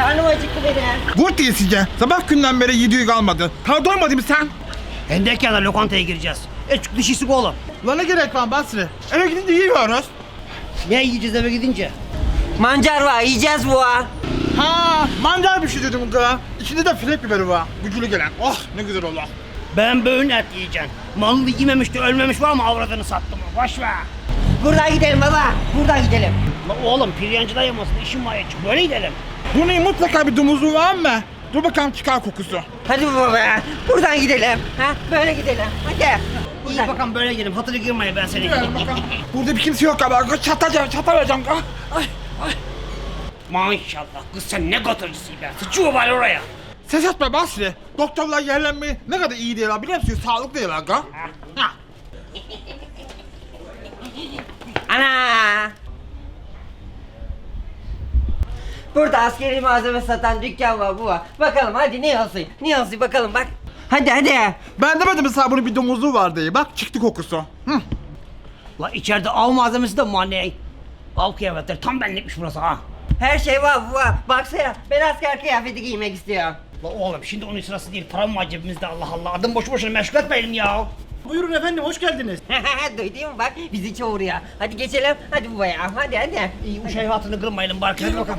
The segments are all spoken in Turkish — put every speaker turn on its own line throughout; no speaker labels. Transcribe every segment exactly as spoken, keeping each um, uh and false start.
karnım acıktı benim.
Vur diye sizce. Sabah günden beri yediği kalmadı. Daha doymadın mı sen?
Hendek yana lokantaya gireceğiz. Eçük dişisi oğlum.
Lan ne gerek var Basri? Eve gidince yiyoruz.
Ne yiyeceğiz eve gidince?
Mancar var, yiyeceğiz bu ha.
Ha, mancar bir şey dedim kıra. İçinde de filek biberi var. Gücülü gelen. Oh ne güzel olur.
Ben böyle et yiyeceğim. Malını yememişti, ölmemiş var mı avradını sattım. Boş ver.
Buradan gidelim baba, buradan gidelim.
La oğlum piryancıda yemasın, işim var ya. Böyle gidelim.
Bunun mutlaka bir domuzu var mı? Dur bakalım çıkar kokusu.
Hadi baba ya, buradan gidelim. Ha, böyle gidelim. Hadi.
İyi
Buradan.
bakalım böyle gidelim. Hatırı girmeye ben seni.
Gel bakalım. Burada bir kimse yok galiba. Çatacağım, çatamayacağım. Ay, ay.
Maşallah kız sen ne götürücüsün be. Sıçıyor var oraya.
Ses etme Basri. Doktorlar yerlenmeyi ne kadar iyi diyorlar biliyor musun? Sağlıklı diyorlar. Ha.
Ana! Burada askeri malzeme satan dükkan var bu var. Bakalım hadi ne olsun? Ne olsun bakalım bak. Hadi hadi.
Ben demedim mi sana bunun bir domuzu var diye. Bak çıktı kokusu. Hı.
La içeride av malzemesi de mi var ne? Av kıyafetleri tam benlikmiş burası ha.
Her şey var bu var. Baksana ben asker kıyafeti giymek istiyorum.
La oğlum şimdi onun sırası değil. Param var cebimizde Allah Allah. Adım boşu boşuna meşgul etmeyelim ya.
Buyurun efendim, hoş geldiniz.
Duydun mu bak bizi çağırıyor. Hadi geçelim. Hadi bu ya hadi hadi.
İyi uşağın hatını kırmayalım bari. Hadi bakalım.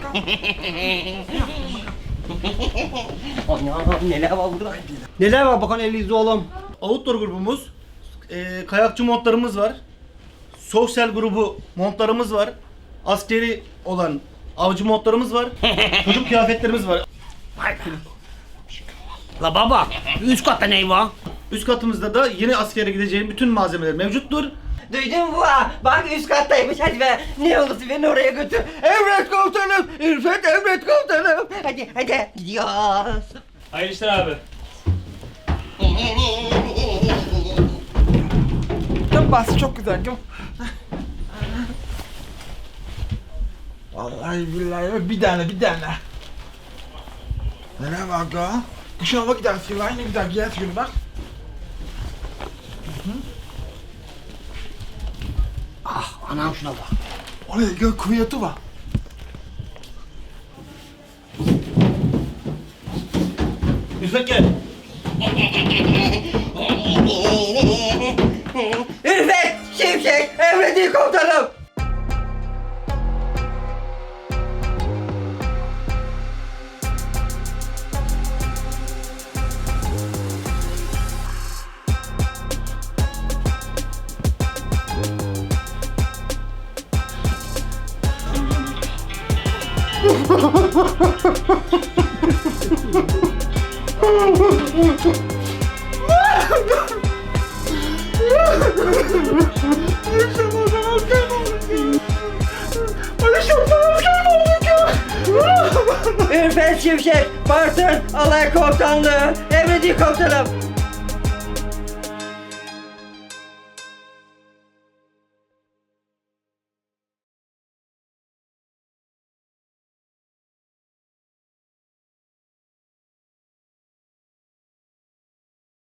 Anam neler var burada?
Neler var bakan elinizde oğlum? Outdoor grubumuz, e, kayakçı montlarımız var. Sosyal grubu montlarımız var. Askeri olan avcı montlarımız var. Çocuk kıyafetlerimiz var.
Vay be. La baba, üst katta ne var?
Üst katımızda da yeni askere gideceğin bütün malzemeler mevcuttur.
Duydun mu bu ha? Bak üst kattaymış hadi be. Ne olursa beni oraya götür. Emret komutanım. İrfet emret komutanım. Hadi hadi gidiyoruz.
Hayırlı işler abi.
Çok Basri çok güzel. Çok... Vallahi billahi bir tane bir tane. Neler var ga? Kışın hava gidersin var ne güzel giyersin günü bak.
Ah anam şuna bak.
Oraya gök kuvveti var.
İrfet gel.
İrfet Şimşek emredin komutanım. İrfet Şimşek Bartın Alay Komutanlığı emredin komutanım.